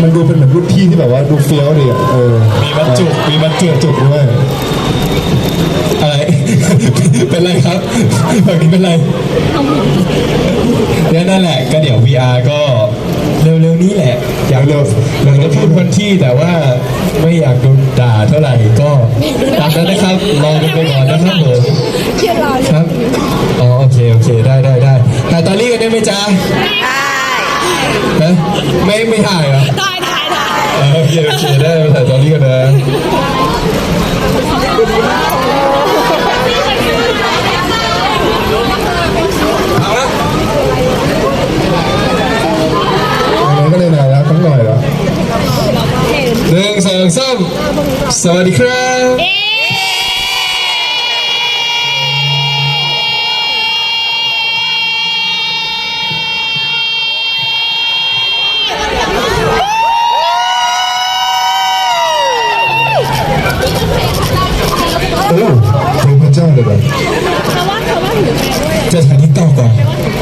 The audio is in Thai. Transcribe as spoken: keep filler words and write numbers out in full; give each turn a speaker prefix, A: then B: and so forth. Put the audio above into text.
A: มันดูเป็นเหมือนรุ่นพี่ที่แบบว่าดูเฟี้ยวดีอ่ะเออมีบรรจุมีบรรจุจุกด้วยอะไร เป็นไรครับแบบนี้เป็นไรเนี่ยนั่นแหละก็เดี๋ยว วี อาร์ ก็เร็วๆนี้แหละอยากเร็วอยากจะพูดวันที่แต่ว่าไม่อยากโดนด่าเท่าไหร่ก็ตามนั้นนะครับรอกันไปก่อนนะครับผมครับอ๋อโอเคโอเคได้ได้ได้ถ่ายตอรี่กันได้ไหมจ๊ะได้ไม่ไม่ถ่ายเหรอได้ได้ได้โอเคโอเคได้ถ่ายตอรี่กันนะก็เลยหน่อยแล้วต้องหน่อยเหรอหนึ่งสองสามสวัสดีครับโอ้เพลงพระเจ้าเลยเหรอจะถ่ายทิกตอกก่อน